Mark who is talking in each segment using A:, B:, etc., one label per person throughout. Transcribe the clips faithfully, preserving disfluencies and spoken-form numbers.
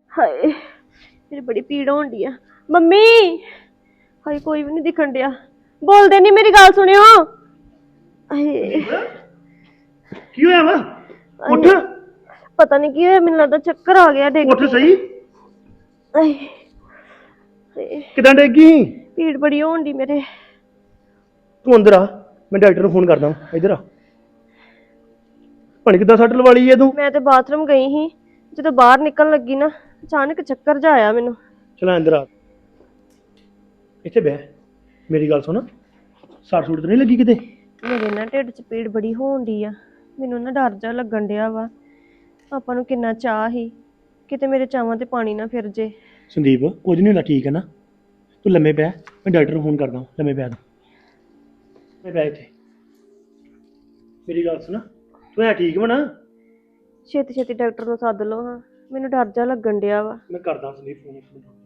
A: ਹਾਏ ਮੇਰੀ ਬੜੀ ਪੀੜ ਹੋਣ ਡਈ ਆ। ਮੰਮੀ ਹਾਏ ਕੋਈ ਵੀ ਨਹੀਂ ਦਿਖਣ ਡਿਆ। ਬੋਲਦੇ ਨਹੀਂ, ਮੇਰੀ ਗੱਲ ਸੁਣਿਓ। ਹਾਏ
B: ਕੀ ਹੋਇਆ ਵਾ? ਉੱਠ।
A: ਪਤਾ ਨਹੀਂ ਕੀ ਹੋਇਆ, ਮੈਨੂੰ ਲੱਗਦਾ ਚੱਕਰ ਆ ਗਿਆ। ਡਿੱਗ
B: ਉੱਠ ਸਹੀ।
A: ਹਾਏ ਹਾਏ
B: ਕਿਦਾਂ ਡੇਗੀ?
A: ਪੀੜ ਬੜੀ ਹੋਣ ਡਈ ਮੇਰੇ।
B: ਤੂੰ ਅੰਦਰ ਆ, ਮੈਂ ਡਾਕਟਰ ਨੂੰ ਫੋਨ ਕਰਦਾ। ਇੱਧਰ ਆ। ਭਣ ਕਿੱਦਾਂ ਸੱਟ ਲਵਾ ਲਈ ਏ ਤੂੰ?
A: ਮੈਂ ਤੇ ਬਾਥਰੂਮ ਗਈ ਸੀ, ਜਦੋਂ ਬਾਹਰ ਨਿਕਲਣ ਲੱਗੀ ਨਾ ਅਚਾਨਕ ਚੱਕਰ ਜਿਹਾ ਆਇਆ ਮੈਨੂੰ।
B: ਚਲ ਅੰਦਰ ਆ, ਇੱਥੇ ਬਹਿ। ਮੇਰੀ ਗੱਲ ਸੁਣ, ਸੱਟ ਸੁੱਟ ਤਾਂ ਨਹੀਂ ਲੱਗੀ ਕਿਤੇ?
A: ਮੇਰੇ ਨਾ ਢਿੱਡ 'ਚ ਪੀੜ ਬੜੀ ਹੋਣ ਡਈ ਆ। ਮੈਨੂੰ ਨਾ ਡਰ ਜਾ ਲੱਗਣ ਡਿਆ ਵਾ। ਆਪਾਂ ਨੂੰ ਕਿੰਨਾ ਚਾਅ ਸੀ, ਕਿਤੇ ਮੇਰੇ ਚਾਵਾਂ ਤੇ ਪਾਣੀ ਨਾ ਫਿਰ ਜੇ।
B: ਸੰਦੀਪ ਕੁਝ ਨਹੀਂ ਹੁੰਦਾ, ਠੀਕ ਹੈ ਨਾ? ਤੂੰ ਲੰਮੇ ਪੈ, ਮੈਂ ਡਾਕਟਰ ਨੂੰ ਫੋਨ ਕਰਦਾ। ਲੰਮੇ ਪੈ ਤੂੰ, ਮੈਂ ਪੈ ਇੱਥੇ। ਮੇਰੀ ਗੱਲ ਸੁਣ, ਤੂੰ ਹੈ ਠੀਕ ਵਾ ਨਾ?
A: ਛੇਤੀ ਛੇਤੀ ਡਾਕਟਰ ਨੂੰ ਸੱਦ ਲਓ ਹਾਂ, ਮੈਨੂੰ ਡਰ ਜਾ ਲੱਗਣ ਡਿਆ ਵਾ।
B: ਮੈਂ ਕਰਦਾ ਸੰਦੀਪ ਫੋਨ।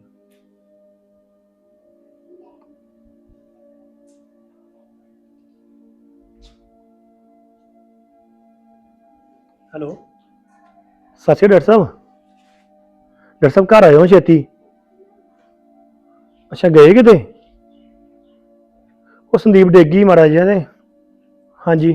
B: ਹੈਲੋ, ਸਤਿ ਸ਼੍ਰੀ ਅਕਾਲ ਡਾਕਟਰ ਸਾਹਿਬ। ਡਾਕਟਰ ਸਾਹਿਬ ਘਰ ਆਇਓ ਛੇਤੀ। ਅੱਛਾ ਗਏ ਕਿਤੇ? ਉਹ ਸੰਦੀਪ ਡੇਗੀ ਮਾੜਾ ਜਿਹਾ ਤੇ। ਹਾਂਜੀ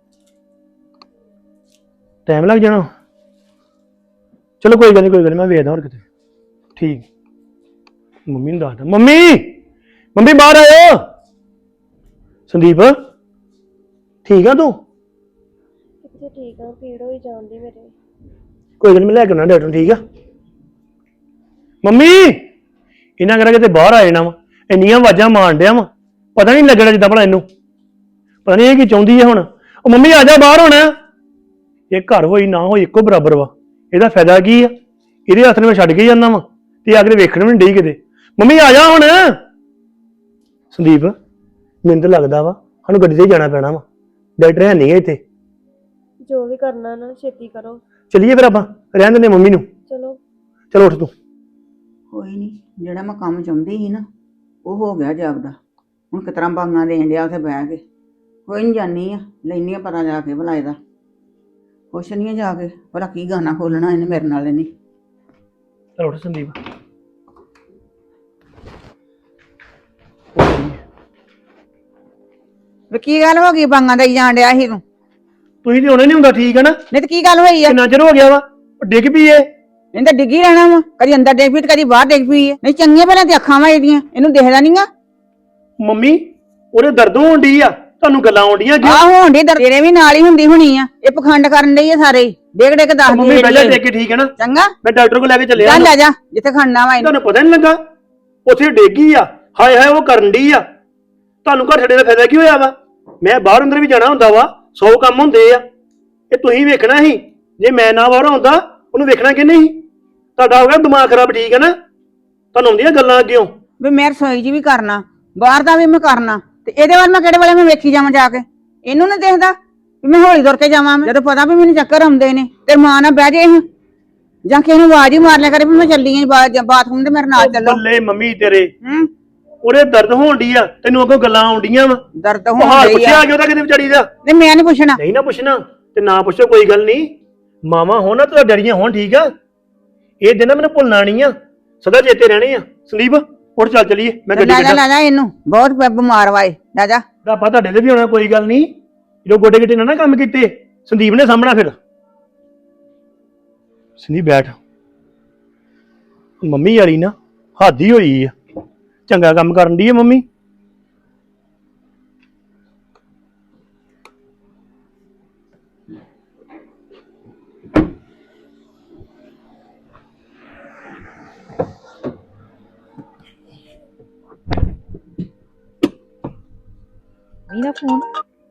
B: ਟਾਈਮ ਲੱਗ ਜਾਣਾ। ਚਲੋ ਕੋਈ ਗੱਲ ਨਹੀਂ, ਕੋਈ ਗੱਲ ਨਹੀਂ, ਮੈਂ ਵੇਖਦਾ ਹੋਰ ਕਿਤੇ। ਠੀਕ। ਮੰਮੀ ਨੂੰ ਦੱਸਦਾ। ਮੰਮੀ ਮੰਮੀ ਬਾਹਰ ਆਇਓ। ਸੰਦੀਪ ਠੀਕ ਆ ਤੂੰ?
A: ਕਿੱਥੇ ਠੀਕ ਆ, ਪੀੜ ਹੋਈ ਜਾਂਦੀ ਮੇਰੇ।
B: ਕੋਈ ਗੱਲ ਨਹੀਂ, ਮੈਂ ਲੈ ਕੇ ਆਉਣਾ ਡਾਕਟਰ। ਠੀਕ ਆ ਮੰਮੀ? ਇਹਨਾਂ ਕਰਾ ਕਿਤੇ ਬਾਹਰ ਆ ਜਾਣਾ ਵਾ, ਇੰਨੀਆਂ ਆਵਾਜ਼ਾਂ ਮਾਰਨ ਡਿਆ ਵਾ, ਪਤਾ ਨਹੀਂ ਲੱਗਣਾ ਜਿੱਦਾਂ ਭਲਾ ਇਹਨੂੰ। ਪਤਾ ਨਹੀਂ ਇਹ ਕੀ ਚਾਹੁੰਦੀ ਹੈ ਹੁਣ। ਉਹ ਮੰਮੀ ਆ ਜਾ ਬਾਹਰ ਹੁਣ। ਇਹ ਘਰ ਹੋਈ ਨਾ ਹੋਈ ਇੱਕੋ ਬਰਾਬਰ ਵਾ। ਇਹਦਾ ਫਾਇਦਾ ਕੀ ਆ? ਇਹਦੇ ਹੱਥ ਨੂੰ ਮੈਂ ਛੱਡ ਕੇ ਜਾਂਦਾ ਵਾ ਤੇ ਆ ਕੇ ਵੇਖਣ ਵੀ ਨਹੀਂ ਡਈ ਕਿਤੇ। ਮੰਮੀ ਆ ਜਾ ਹੁਣ। ਸੰਦੀਪ ਮੈਨੂੰ ਤਾਂ ਲੱਗਦਾ ਵਾ ਸਾਨੂੰ ਗੱਡੀ ਤੇ ਜਾਣਾ ਪੈਣਾ ਵਾ, ਡਾਕਟਰ ਹੈ ਨਹੀਂ ਇੱਥੇ।
A: ਜੋ ਵੀ ਕਰਨਾ ਨਾ ਛੇਤੀ ਕਰੋ।
B: ਚੱਲੀਏ ਫਿਰ ਆਪਾਂ, ਰਹਿਣ ਦਿੰਦੇ ਮੰਮੀ ਨੂੰ।
A: ਚਲੋ
B: ਚਲੋ ਉੱਠ ਤੂੰ।
C: ਕੋਈ ਨਹੀਂ, ਜਿਹੜਾ ਮੈਂ ਕੰਮ ਚਾਹੁੰਦੀ ਸੀ ਨਾ ਉਹ ਹੋ ਗਿਆ ਜਾਪਦਾ। ਹੁਣ ਕਿਸ ਤਰ੍ਹਾਂ ਬਾਂਗਾਂ ਦੇਣ ਡਿਆ ਉੱਥੇ ਬਹਿ ਕੇ। ਕੋਈ ਨਹੀਂ, ਜਾਨੀ ਆ ਲੈਨੀ ਆ ਪਤਾ ਜਾ ਕੇ ਭਲਾ ਇਹਦਾ। ਕੁਛ ਨਹੀਂ ਜਾ ਕੇ ਭਲਾ ਕੀ ਗਾਣਾ ਖੋਲਣਾ ਇਹਨੇ ਮੇਰੇ ਨਾਲ। ਇਹਨੇ
B: ਚਲ ਉੱਠ ਸੰਦੀਪ।
C: ਵੀ ਕੀ ਗੱਲ ਹੋ ਗਈ ਬਾਂਗਾਂ ਦੇਈ ਜਾਣ ਡਿਆ ਸੀ ਤੂੰ?
B: ਤੁਸੀਂ ਤੇ ਹੁਣੇ ਨਹੀਂ ਹੁੰਦਾ, ਠੀਕ ਹੈ ਨਾ?
C: ਨਹੀਂ ਤੇ ਕੀ ਗੱਲ ਹੋਈ ਆ?
B: ਕਿੰਨਾ ਚਿਰ ਹੋ ਗਿਆ ਵਾ? ਉਹ ਡਿੱਗ ਪਈ ਏ।
C: ਇਹਨੇ ਤਾਂ ਡਿੱਗੀ ਰਹਿਣਾ ਵਾ, ਕਦੀ ਅੰਦਰ ਡਿੱਗ ਪਈ ਤੇ ਕਦੀ ਬਾਹਰ ਡਿੱਗ ਪਈ ਹੈ। ਨਹੀਂ ਚੰਗੀਆਂ ਪਹਿਲਾਂ ਤੇ ਅੱਖਾਂ ਵਾ ਇਹਦੀਆਂ, ਇਹਨੂੰ ਦਿਖਦਾ ਨਹੀਂਗਾ।
B: ਮੰਮੀ ਉਹਦੇ ਦਰਦ ਹੋਣ ਡਈ ਆ, ਤੁਹਾਨੂੰ ਗੱਲਾਂ ਆਉਂਦੀਆਂ ਕਿਉਂ?
C: ਆਹ ਹੋਣ ਡਈ, ਤੇਰੇ ਵੀ ਨਾਲ ਹੀ ਹੁੰਦੀ ਹੋਣੀ ਆ। ਇਹ ਪਖੰਡ ਕਰਨ ਡਈ ਆ ਸਾਰੇ ਹੀ। ਡਿੱਗ ਡਿੱਗ ਦੱਸਦੀ
B: ਮੰਮੀ ਪਹਿਲਾਂ ਟੇਕ ਕੇ, ਠੀਕ ਹੈ ਨਾ?
C: ਚੰਗਾ
B: ਮੈਂ ਡਾਕਟਰ ਕੋਲ ਲੈ ਕੇ ਚੱਲਿਆ।
C: ਚੱਲ ਲੈ ਜਾ ਜਿੱਥੇ ਖੜਨਾ ਵਾ ਇਹਨੂੰ।
B: ਤੁਹਾਨੂੰ ਪਤਾ ਨਹੀਂ ਲੱਗਾ ਉੱਥੇ ਡੇਗੀ ਆ? ਹਾਏ ਹਾਏ ਉਹ ਕਰਨ ਡਈ ਆ। ਤੁਹਾਨੂੰ ਘਰ ਛੱਡੇ ਦਾ ਫਾਇਦਾ ਕੀ ਹੋਇਆ ਵਾ? ਮੈਂ ਬਾਹਰ ਅੰਦਰ ਵੀ ਜਾਣਾ ਹੁੰਦਾ ਵਾ, ਸੌ ਕੰਮ ਹੁੰਦੇ ਆ। ਇਹ ਤੁਸੀਂ ਵੇਖਣਾ ਸੀ, ਜੇ ਮੈਂ ਨਾ ਬਾਹਰ ਆਉਂਦਾ ਉਹਨੂੰ ਵੇਖਣਾ ਕਿ ਨਹੀਂ? ਤੁਹਾਡਾ ਹੋ ਗਿਆ ਦਿਮਾਗ ਖਰਾਬ, ਠੀਕ ਹੈ ਨਾ? ਤੁਹਾਨੂੰ ਆਉਂਦੀਆਂ ਗੱਲਾਂ ਕਿਉਂ?
C: ਵੀ ਮੈਂ ਰਸੋਈ 'ਚ ਵੀ ਕਰਨਾ, ਬਾਹਰ ਦਾ ਵੀ ਮੈਂ ਕਰਨਾ, ਤੇ ਇਹਦੇ ਵੱਲ ਮੈਂ ਕਿਹੜੇ ਵੇਲੇ ਮੈਂ ਵੇਖੀ ਜਾਵਾਂ ਜਾ ਕੇ? ਇਹਨੂੰ ਨੀ ਦੇਖਦਾ ਵੀ ਮੈਂ ਹੌਲੀ ਤੁਰ ਕੇ ਜਾਵਾਂ? ਮੈਂ ਜਦੋਂ ਪਤਾ ਵੀ ਮੈਨੂੰ ਚੱਕਰ ਆਉਂਦੇ ਨੇ ਤੇ ਮਾਂ ਨਾਲ ਬਹਿ ਜੇ ਜਾਂ ਕਿਸੇ ਨੂੰ ਆਵਾਜ਼ ਹੀ ਮਾਰ ਲਿਆ ਕਰੇ ਵੀ ਮੈਂ ਚੱਲੀ ਆਂ ਬਾਥਰੂਮ ਤੇ ਮੇਰੇ ਨਾਲ ਚੱਲੋ।
B: ਬੱਲੇ ਮੰਮੀ ਤੇਰੇ,
C: ਹੂੰ
B: ਉਹਦੇ ਦਰਦ ਹੋਣ ਡਈ ਆ, ਤੈਨੂੰ ਅੱਗੋਂ ਗੱਲਾਂ ਆਉਂਦੀਆਂ ਵਾ।
C: ਦਰਦ
B: ਉਹ
C: ਹੋਣ
B: ਹਾਲ
C: ਡਈ
B: ਪੁੱਛਿਆ
C: ਆ।
B: ਕਿ ਉਹਦਾ ਕਿਤੇ ਵਿਚਾਰੀ ਦਾ?
C: ਨਹੀਂ ਮੈਂ ਨਹੀਂ ਪੁੱਛਣਾ।
B: ਨਹੀਂ ਨਾ ਪੁੱਛਣਾ ਤੇ ਨਾ ਪੁੱਛੋ, ਕੋਈ ਗੱਲ ਨਹੀਂ। ਮਾਵਾਂ ਹੋਣ ਨਾ ਤਾਂ ਡਰੀਆਂ ਹੋਣ, ਠੀਕ ਆ? ਇਹ ਦਿਨ ਮੈਨੂੰ ਭੁੱਲਣਾ ਨਹੀਂ ਆ, ਸਦਾ ਚੇਤੇ ਰਹਿਣੇ ਆ। ਸੰਦੀਪ ਉੱਠ ਚੱਲ ਚਲੀਏ, ਮੈਂ ਗੱਡੀ
C: ਲੈ ਜਾ
B: ਕੱਢਾਂ।
C: ਲੈ ਜਾ ਇਹਨੂੰ, ਬਹੁਤ ਬਿਮਾਰ ਵਾਏ। ਲੈ ਜਾ।
B: ਆਪਾਂ ਤੁਹਾਡੇ ਤੇ ਵੀ ਹੋਣਾ, ਕੋਈ ਗੱਲ ਨਹੀਂ। ਜਦੋਂ ਗੋਡੇ ਗਿੱਟੇ ਨਾ ਨਾ ਕੰਮ ਕੀਤੇ, ਸੰਦੀਪ ਨੇ ਸਾਹਮਣਾ ਫਿਰ। ਸੰਦੀਪ ਬੈਠ। ਮੰਮੀ ਵਾਲੀ ਨਾ ਹੱਦ ਹੀ ਹੋਈ ਆ, ਚੰਗਾ ਕੰਮ ਕਰਨ ਦੀ ਆ ਮੰਮੀ।
D: ਮੇਰਾ ਫੋਨ।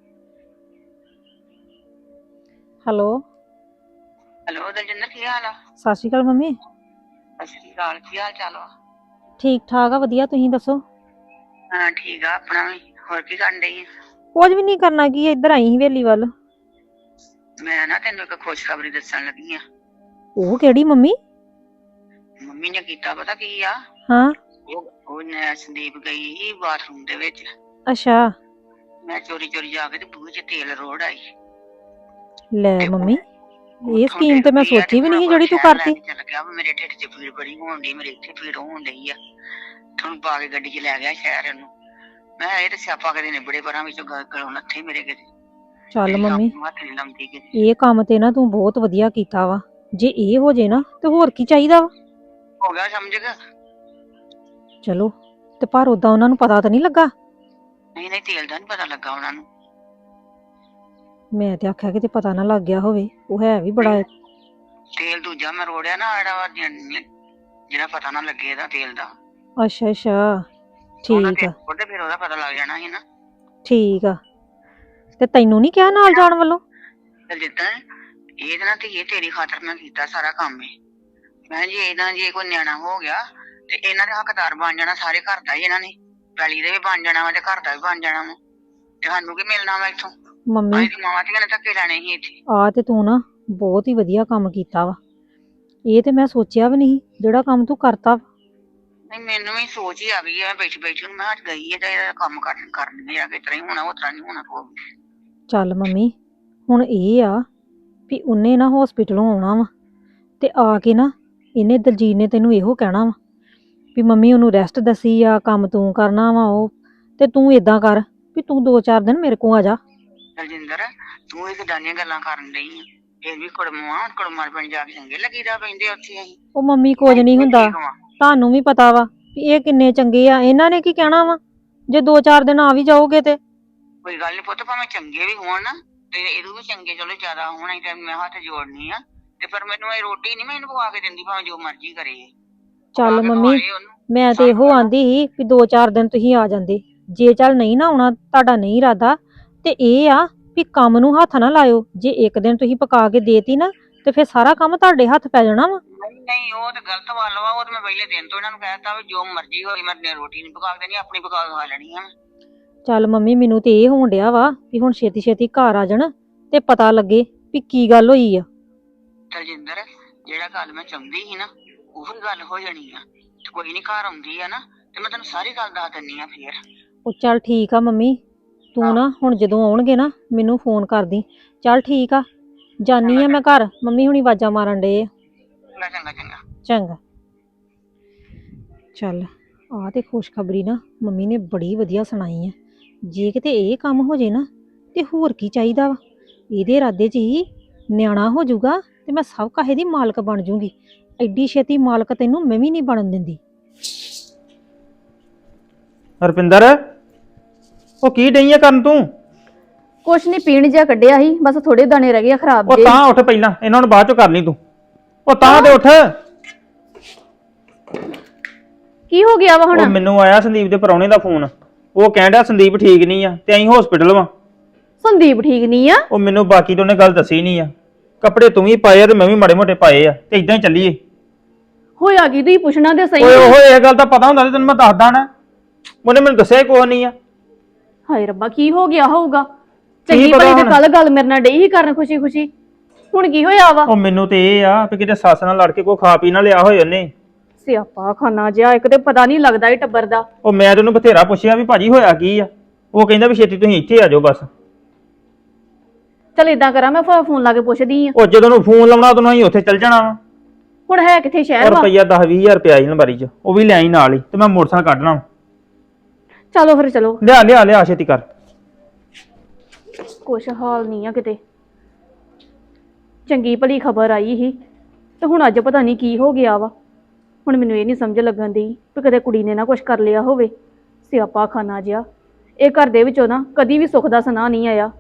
D: ਹੈਲੋ
C: ਹੈਲੋ ਦਲਜਿੰਦਰ, ਕੀ ਹਾਲ ਆ?
D: ਸਤਿ ਸ਼੍ਰੀ ਅਕਾਲ ਮੰਮੀ।
C: ਸਤਿ ਸ਼੍ਰੀ ਅਕਾਲ, ਕੀ ਹਾਲ ਚਾਲ ਆ?
D: ਠੀਕ ਠਾਕ ਆ, ਵਧੀਆ। ਤੁਸੀਂ ਦੱਸੋ?
C: ਹਾਂ ਠੀਕ ਆ ਆਪਣਾ ਵੀ। ਹੋਰ ਕੀ ਕਰਨ ਡਈ?
D: ਕੁਝ ਵੀ ਨਹੀਂ ਕਰਨਾ, ਕੀ ਇੱਧਰ ਆਈ ਸੀ ਹਵੇਲੀ ਵੱਲ।
C: ਮੈਂ ਨਾ ਤੈਨੂੰ ਇੱਕ ਖੁਸ਼ਖਬਰੀ ਦੱਸਣ ਲੱਗੀ ਆ।
D: ਉਹ ਕਿਹੜੀ ਮੰਮੀ?
C: ਮੰਮੀ ਨੇ ਕੀਤਾ ਪਤਾ ਕੀ ਆ?
D: ਹਾਂ
C: ਉਹ ਉਹਨੇ ਸੰਦੀਪ ਗਈ ਸੀ ਬਾਥਰੂਮ ਦੇ ਵਿੱਚ।
D: ਅੱਛਾ।
C: ਮੈਂ ਚੋਰੀ ਚੋਰੀ ਜਾ ਕੇ ਤੇ ਬੂਹੇ 'ਚ ਤੇਲ ਰੋੜ ਆਈ।
D: ਲੈ ਮੰਮੀ ਇਹ ਸਕੀਮ ਤੇ ਮੈਂ ਸੋਚੀ ਵੀ ਨਹੀਂ ਜਿਹੜੀ ਤੂੰ ਕਰਤੀ।
C: ਚੱਲ ਗਿਆ ਵਾ, ਮੇਰੇ ਢਿੱਡ 'ਚ ਪੀੜ ਬੜੀ ਹੋਣ ਡਈ, ਮੇਰੇ ਇੱਥੇ ਪੀੜ ਹੋਣ ਡਈ ਆ। ਤੁਹਾਨੂੰ ਪਾ ਕੇ ਗੱਡੀ 'ਚ ਲੈ ਗਿਆ ਸ਼ਹਿਰ ਇਹਨੂੰ। ਮੈਂ ਇਹ ਤੇ ਸਿਆਪਾ ਕਦੇ ਨਿਬੜੇ ਪਰਾਂ ਵਿੱਚੋਂ ਗਲੋਂ ਨੱਥੇ ਮੇਰੇ ਕਿਤੇ।
D: ਚੱਲ ਮੰਮੀ
C: ਹੱਥ ਨੀ ਲਾਉਂਦੀ ਕਿਤੇ।
D: ਇਹ ਕੰਮ ਤੇ ਨਾ ਤੂੰ ਬਹੁਤ ਵਧੀਆ ਕੀਤਾ ਵਾ। ਜੇ ਇਹ ਹੋ ਜੇ ਨਾ ਤੇ ਹੋਰ ਕੀ ਚਾਹੀਦਾ ਵਾ।
C: ਹੋ ਗਿਆ ਸਮਝ ਗਿਆ।
D: ਚਲੋ ਤੇ ਪਰ ਉਦਾਂ ਉਹਨਾਂ ਨੂੰ ਪਤਾ ਤਾਂ ਨਹੀਂ ਲੱਗਾ।
C: ਨਹੀਂ ਨਹੀਂ ਤੇਲ ਦਾ ਨੀ ਪਤਾ ਲੱਗਾ ਉਹਨਾਂ ਨੂੰ।
D: ਮੈਂ ਤੇ ਆਖਿਆ ਕਿਤੇ ਪਤਾ ਨਾ ਲੱਗ ਗਿਆ ਹੋਵੇ। ਉਹ ਹੈ ਵੀ ਬੜਾ
C: ਤੇਲ ਦੂਜਾ ਮੈਂ ਰੋੜਿਆ ਨਾ ਜਿਹੜਾ ਜਿਹੜਾ ਪਤਾ ਨਾ ਲੱਗੇ ਇਹਦਾ ਤੇਲ ਦਾ।
D: ਅੱਛਾ ਅੱਛਾ ਠੀਕ ਆ
C: ਉਹਦੇ ਫਿਰ ਉਹਦਾ ਪਤਾ ਲੱਗ ਜਾਣਾ ਸੀ ਨਾ।
D: ਠੀਕ ਆ ਤੇ ਤੈਨੂੰ ਨਹੀਂ ਕਿਹਾ ਨਾਲ ਜਾਣ ਵੱਲੋਂ?
C: ਜਿੱਦਾਂ ਇਹਦੇ ਨਾਲ ਤੇ ਇਹ ਤੇਰੀ ਖਾਤਰ ਮੈਂ ਕੀਤਾ ਸਾਰਾ ਕੰਮ ਇਹ। ਮੈਂ ਜੇ ਇਹਨਾਂ ਜੇ ਕੋਈ ਨਿਆਣਾ ਹੋ ਗਿਆ ਤੇ ਇਹਨਾਂ ਦੇ ਹੱਕਦਾਰ ਬਣ ਜਾਣਾ ਸਾਰੇ ਘਰ ਦਾ ਹੀ। ਇਹਨਾਂ ਨੇ ਪੈਲੀ ਦੇ ਵੀ ਬਣ ਜਾਣਾ ਵਾ ਤੇ ਘਰ ਦਾ ਵੀ ਬਣ ਜਾਣਾ ਵਾ। ਤੇ ਸਾਨੂੰ ਕੀ ਮਿਲਣਾ ਵਾ ਇੱਥੋਂ?
D: ਮੰਮੀ
C: ਅਸੀਂ ਮਾਵਾਂ ਧੀਆਂ ਨੇ ਧੱਕੇ ਲੈਣੇ ਸੀ ਇੱਥੇ।
D: ਆ ਤੇ ਤੂੰ ਨਾ ਬਹੁਤ ਹੀ ਵਧੀਆ ਕੰਮ ਕੀਤਾ ਵਾ। ਇਹ ਤੇ ਮੈਂ ਸੋਚਿਆ ਵੀ ਨਹੀਂ ਜਿਹੜਾ ਕੰਮ ਤੂੰ ਕਰਤਾ।
C: ਨਹੀਂ ਮੈਨੂੰ ਵੀ ਸੋਚ ਹੀ ਆ ਗਈ ਹੈ ਬੈਠੀ ਬੈਠੀ ਨੂੰ। ਮੈਂ ਅੱਜ ਗਈ ਹੈ ਤੇ ਇਹਦਾ ਕੰਮ ਕਰਨ ਕਰਨ ਆ ਕਿ ਤਰ੍ਹਾਂ ਹੀ ਹੋਣਾ ਉਸ ਤਰ੍ਹਾਂ ਨਹੀਂ ਹੋਣਾ। ਕੋ
D: ਚੱਲ ਮੰਮੀ ਹੁਣ ਇਹ ਆ ਵੀ ਉਹਨੇ ਨਾ ਹੌਸਪੀਟਲੋਂ ਆਉਣਾ ਵਾ ਤੇ ਆ ਕੇ ਨਾ ਇਹਨੇ ਦਲਜੀਤ ਨੇ ਤੈਨੂੰ ਇਹੋ ਕਹਿਣਾ ਵਾ ਵੀ ਮੰਮੀ ਉਹਨੂੰ ਰੈਸਟ ਦੱਸੀ ਆ, ਕੰਮ ਤੂੰ ਕਰਨਾ ਵਾ ਉਹ। ਤੇ ਤੂੰ ਏਦਾਂ ਕਰ ਵੀ ਤੂੰ ਦੋ ਚਾਰ ਦਿਨ ਮੇਰੇ ਕੋਲ ਆ ਜਾ।
C: ਦਲਜਿੰਦਰ ਤੂੰ ਇਹ ਕਿਦਾਂ ਗੱਲਾਂ ਕਰਨ ਡਈ ਆ? ਫਿਰ ਵੀ ਕੁੜਮਾਂ ਕੁੜਮਾਂ ਪਿੰਡ ਜਾ ਕੇ ਚੰਗੇ ਲੱਗੀਦਾ ਪੈਂਦੇ ਉੱਥੇ ਅਸੀਂ।
D: ਉਹ ਮੰਮੀ ਕੁਝ ਨਹੀਂ ਹੁੰਦਾ, ਤੁਹਾਨੂੰ ਵੀ ਪਤਾ ਵਾ ਵੀ ਇਹ ਕਿੰਨੇ ਚੰਗੇ ਆ। ਇਹਨਾਂ ਨੇ ਕੀ ਕਹਿਣਾ ਵਾ ਜੇ ਦੋ ਚਾਰ ਦਿਨ ਆ ਵੀ ਜਾਓਗੇ ਤੇ?
C: ਕੋਈ ਗੱਲ ਨੀ ਪੁੱਤ, ਭਾਵੇਂ ਚੰਗੇ ਵੀ ਹੋਣ ਨਾ ਤੇ ਇਹਦੋਂ ਵੀ ਚੰਗੇ ਚਲੋ ਜ਼ਿਆਦਾ ਹੋਣ। ਅਸੀਂ ਤਾਂ ਮੈਂ ਹੱਥ ਜੋੜਨੀ ਆ ਤੇ ਪਰ ਮੈਨੂੰ ਇਹ ਰੋਟੀ ਨੀ ਮੈਂ ਇਹਨੂੰ ਪਕਾ ਕੇ ਦਿੰਦੀ ਭਾਵੇਂ ਜੋ ਮਰਜ਼ੀ ਕਰੇ।
D: ਚੱਲ ਮੰਮੀ ਮੈਂ ਤੇ ਇਹੋ ਆਂਦੀ ਸੀ ਵੀ ਦੋ ਚਾਰ ਦਿਨ ਤੁਸੀਂ ਆ ਜਾਂਦੇ। ਜੇ ਚੱਲ ਨਹੀਂ ਨਾ ਆਉਣਾ, ਤੁਹਾਡਾ ਨਹੀਂ ਇਰਾਦਾ, ਤੇ ਇਹ ਆ ਵੀ ਕੰਮ ਨੂੰ ਹੱਥ ਨਾ ਲਾਇਓ। ਜੇ ਇੱਕ ਦਿਨ ਤੁਸੀਂ ਪਕਾ ਕੇ ਦੇਤੀ ਨਾ ਤੇ ਫਿਰ ਸਾਰਾ ਕੰਮ ਤੁਹਾਡੇ ਹੱਥ ਪੈ ਜਾਣਾ ਵਾ।
C: ਨਹੀਂ ਨਹੀਂ ਉਹ ਤੇ ਗਲਤ ਵੱਲ ਵਾ। ਉਹ ਤੇ ਮੈਂ ਪਹਿਲੇ ਦਿਨ ਤੋਂ ਇਹਨਾਂ ਨੂੰ ਕਹਿਤਾ ਵੀ ਜੋ ਮਰਜ਼ੀ ਹੋਵੇ ਮੈਂ ਰੋਟੀ ਨੀ ਪਕਾ ਕੇ ਦੇਣੀ, ਆਪਣੀ ਪਕਾ ਕੇ ਖਾ ਲੈਣੀ ਆ।
D: ਚੱਲ ਮੰਮੀ ਮੈਨੂੰ ਤੇ ਇਹ ਹੋਣ ਡਿਆ ਵਾ ਵੀ ਹੁਣ ਛੇਤੀ ਛੇਤੀ ਘਰ ਆ ਜਾਣ ਤੇ ਪਤਾ ਲੱਗੇ ਵੀ ਕੀ ਗੱਲ ਹੋਈ ਆ।
C: ਦਲਜਿੰਦਰ ਜਿਹੜਾ ਗੱਲ ਮੈਂ ਚਾਹੁੰਦੀ ਸੀ ਨਾ ਉਹੀ ਗੱਲ ਹੋ ਜਾਣੀ ਆ। ਤੇ ਕੋਈ ਨੀ ਘਰ ਆਉਂਦੀ ਆ ਨਾ ਤੇ ਮੈਂ ਤੈਨੂੰ ਸਾਰੀ ਗੱਲ ਦੱਸ ਦਿੰਨੀ ਆ ਫੇਰ।
D: ਉਹ ਚੱਲ ਠੀਕ ਆ ਮੰਮੀ, ਤੂੰ ਨਾ ਹੁਣ ਜਦੋਂ ਆਉਣਗੇ ਨਾ ਮੈਨੂੰ ਫੋਨ ਕਰਦੀ। ਚੱਲ ਠੀਕ ਆ, ਜਾਨੀ ਆ ਮੈਂ ਘਰ। ਮੰਮੀ ਹੁਣੀ ਆਵਾਜ਼ਾਂ ਮਾਰਨ ਡਏ ਆ।
C: ਚੰਗਾ ਚੰਗਾ
D: ਚੰਗਾ। ਚੱਲ ਆਹ ਤੇ ਖੁਸ਼ਖਬਰੀ ਨਾ ਮੰਮੀ ਨੇ ਬੜੀ ਵਧੀਆ ਸੁਣਾਈ ਆ। ਜੇ ਕਿਤੇ ਇਹ ਕੰਮ ਹੋ ਜੇ ਨਾ ਤੇ ਹੋਰ ਕੀ ਚਾਹੀਦਾ ਵਾ। ਇਹਦੇ ਇਰਾਦੇ 'ਚ ਹੀ ਨਿਆਣਾ ਹੋ ਜਾਊਗਾ ਤੇ ਮੈਂ ਸਭ ਕਾਹੇ ਦੀ ਮਾਲਕ ਬਣ ਜੂਗੀ। ਐਡੀ ਛੇਤੀ ਮਾਲਕ ਤੈਨੂੰ ਮੈਂ ਵੀ ਨਹੀਂ ਬਣਨ ਦਿੰਦੀ।
E: ਹਰਪਿੰਦਰ ਉਹ ਕੀ ਡਈ ਆ ਕਰਨ ਤੂੰ?
F: ਕੁਛ ਨਹੀਂ, ਪੀਣ ਜਿਹਾ ਕੱਢਿਆ ਸੀ, ਬਸ ਥੋੜੇ ਦਾਣੇ ਰਹਿ ਗਏ ਆ ਖਰਾਬ
E: ਉਹ
F: ਜਿਹੇ।
E: ਤਾਂ ਉੱਠ ਪਹਿਲਾਂ, ਇਹਨਾਂ ਨੂੰ ਬਾਅਦ ਚੋਂ ਕਰ ਲਈ ਤੂੰ। ਉਹ ਤਾਂ ਤੇ ਉੱਠ।
F: ਕੀ ਹੋ ਗਿਆ ਵਾ ਹੁਣ?
E: ਉਹ ਮੈਨੂੰ ਆਇਆ ਸੰਦੀਪ ਦੇ ਪਰੌਣੇ ਦਾ ਫੋਨ। ਉਹ ਕਹਿਣ ਡਿਆ ਸੰਦੀਪ ਠੀਕ ਨਹੀਂ ਆ ਤੇ ਅਸੀਂ ਹਸਪੀਟਲ ਵਾਂ।
F: ਸੰਦੀਪ ਠੀਕ ਨਹੀਂ ਆ?
E: ਉਹ ਮੈਨੂੰ ਬਾਕੀ ਤੋਂ ਉਹਨੇ ਗੱਲ ਦੱਸੀ ਨਹੀਂ ਆ। ਕੱਪੜੇ ਤੂੰ ਵੀ ਪਾਏ ਆ ਤੇ ਮੈਂ ਵੀ ਮਾੜੇ ਮੋਟੇ ਪਾਏ ਆ ਤੇ ਇਦਾਂ ਹੀ ਚੱਲੀਏ।
F: ਹੋਇਆ ਕੀ ਤੁਸੀਂ ਪੁੱਛਣਾ ਤੇ ਸਹੀ।
E: ਓਏ ਉਹ ਇਹ ਗੱਲ ਤਾਂ ਪਤਾ ਹੁੰਦਾ ਤੇ ਤੈਨੂੰ ਮੈਂ ਦੱਸਦਾ ਨਾ। ਉਹਨੇ ਮੈਨੂੰ ਦੱਸਿਆ ਕੋਈ ਨਹੀਂ ਆ।
F: ਹਾਏ ਰੱਬਾ ਕੀ ਹੋ ਗਿਆ ਹੋਊਗਾ?
E: ਕੀ
F: ਚੰਗੀ
E: ਪਤਾ
F: ਭਲੀ ਤੇ
E: ਹੁਣ?
F: ਕੱਲ ਗੱਲ ਮੇਰੇ ਨਾਲ ਡਈ ਹੀ ਕਰਨ ਖੁਸ਼ੀ ਖੁਸ਼ੀ, ਹੁਣ ਕੀ ਹੋਇਆ ਵਾ?
E: ਉਹ ਮੈਨੂੰ ਤੇ ਇਹ ਆ ਵੀ ਕਿਤੇ ਸੱਸ ਨਾਲ ਲੜ ਕੇ ਕੋਈ ਖਾ ਪੀ ਨਾ ਲਿਆ ਹੋਏ ਉਹਨੇ।
F: ਸਿਆਪਾ ਖਾਨਾ ਜਿਹਾ, ਇੱਕ ਤੇ ਪਤਾ ਨਹੀਂ ਲੱਗਦਾ ਇਹ ਟੱਬਰ ਦਾ।
E: ਉਹ ਮੈਂ ਤੈਨੂੰ ਬਥੇਰਾ ਪੁੱਛਿਆ ਵੀ ਭਾਜੀ ਹੋਇਆ ਕੀ ਆ। ਉਹ ਕਹਿੰਦਾ ਵੀ ਛੇਤੀ ਤੁਸੀਂ ਇੱਥੇ ਆ ਜਾਓ ਬਸ।
F: ਚਲ ਏਦਾਂ ਕਰਾਂ, ਮੈਂ ਫੋਨ ਲਾ ਕੇ ਪੁੱਛਦੀ ਆ।
E: ਉਹ ਜਦੋਂ ਨੂੰ ਫੋਨ ਲਾਉਣਾ ਉਦੋਂ ਅਸੀਂ ਉੱਥੇ ਚੱਲ ਜਾਣਾ ਵਾ।
F: ਹੁਣ ਹੈ ਕਿੱਥੇ
E: ਔਰ
F: ਸ਼ਹਿਰ ਵਾ?
E: ਰੁਪਈਆ ਦਸ ਵੀਹ ਹਜ਼ਾਰ ਰੁਪਇਆ ਆਈ ਅਲਮਾਰੀ 'ਚ, ਉਹ ਵੀ ਲੈ ਆਈ ਨਾਲ ਹੀ ਤੇ ਮੈਂ ਮੋਟਰਸਾਈਕਲ ਕੱਢਣਾ।
F: ਚਲੋ ਫਿਰ ਚਲੋ।
E: ਲਿਆ ਲਿਆ ਲਿਆ ਛੇਤੀ ਕਰ।
F: ਕੁਛ ਹਾਲ ਨਹੀਂ ਆ ਕਿਤੇ। ਚੰਗੀ ਭਲੀ ਖਬਰ ਆਈ ਸੀ ਤੇ ਹੁਣ ਅੱਜ ਪਤਾ ਨਹੀਂ ਕੀ ਹੋ ਗਿਆ ਵਾ। ਹੁਣ ਮੈਨੂੰ ਇਹ ਨਹੀਂ ਸਮਝ ਲੱਗਣ ਦੀ ਵੀ ਕਦੇ ਕੁੜੀ ਨੇ ਨਾ ਕੁਛ ਕਰ ਲਿਆ ਹੋਵੇ। ਸਿਆਪਾ ਖਾਨਾ ਜਿਹਾ, ਇਹ ਘਰ ਦੇ ਵਿੱਚੋਂ ਨਾ ਕਦੀ ਵੀ ਸੁੱਖ ਦਾ ਸੁਨਾਹ ਨਹੀਂ ਆਇਆ।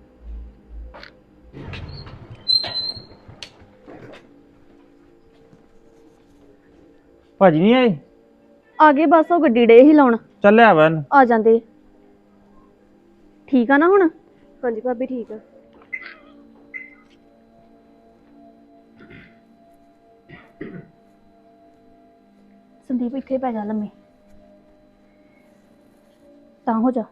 E: ਭਾਜੀ ਨਹੀਂ ਆਏ?
F: ਆ ਗਏ ਬਸ, ਉਹ ਗੱਡੀ ਡੇ ਹੀ ਲਾਉਣ।
E: ਚੱਲ ਲਿਆ ਵਾ ਇਹਨੂੰ।
F: ਆ ਜਾਂਦੇ। ਠੀਕ ਆ ਨਾ ਹੁਣ?
A: ਹਾਂਜੀ ਭਾਬੀ ਠੀਕ ਆ।
F: ਸੰਦੀਪ ਇੱਥੇ ਪੈ ਜਾ ਲੰਮੇ, ਤਾਂ ਹੋ ਜਾ।